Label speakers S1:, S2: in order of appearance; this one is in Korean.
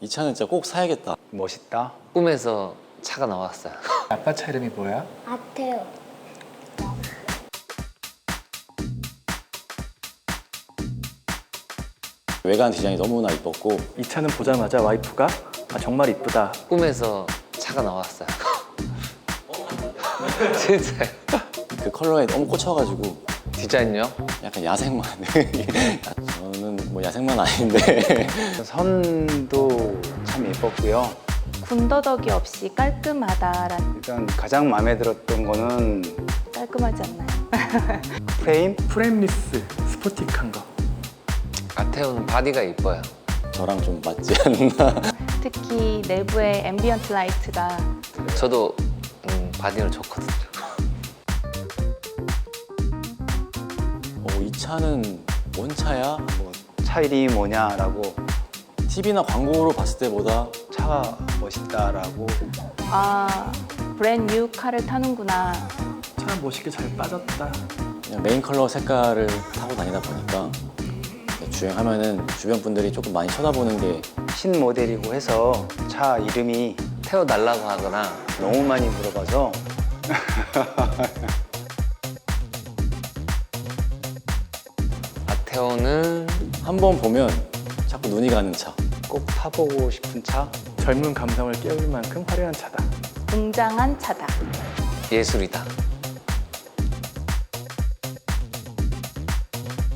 S1: 이 차는 진짜 꼭 사야겠다.
S2: 멋있다.
S3: 꿈에서 차가 나왔어요.
S2: 아빠 차 이름이 뭐야?
S4: 아테오.
S1: 외관 디자인이 너무나 이뻤고
S2: 이 차는 보자마자 와이프가 정말 이쁘다.
S3: 꿈에서 차가 나왔어요. 진짜요.
S1: 그 컬러에 너무 꽂혀가지고
S3: 디자인요?
S1: 약간 야생만. 저는 뭐 야생만 아닌데
S2: 선도 참 예뻤고요.
S5: 군더더기 없이 깔끔하다란.
S2: 일단 가장 마음에 들었던 거는
S5: 깔끔하지 않나요?
S2: 프레임리스 스포틱한 거.
S3: 아테오는 바디가 이뻐요.
S1: 저랑 좀 맞지 않나.
S5: 특히 내부의 앰비언트 라이트가
S3: 저도 바디는 좋거든요.
S1: 이 차는 뭔 차야? 뭐
S2: 차 이름이 뭐냐라고
S1: TV나 광고로 봤을 때보다
S2: 차가 멋있다라고.
S5: 아 브랜드 뉴 카를 타는구나.
S2: 차 멋있게 잘 빠졌다.
S1: 그냥 메인 컬러 색깔을 타고 다니다 보니까 주행하면은 주변 분들이 조금 많이 쳐다보는 게
S2: 신모델이고 해서 차 이름이
S3: 태워달라고 하거나
S2: 너무 많이 물어봐서
S3: 아테오는
S1: 한 번 보면 자꾸 눈이 가는 차.
S2: 꼭 타보고 싶은 차. 젊은 감성을 깨울 만큼 화려한 차다.
S5: 웅장한 차다.
S3: 예술이다.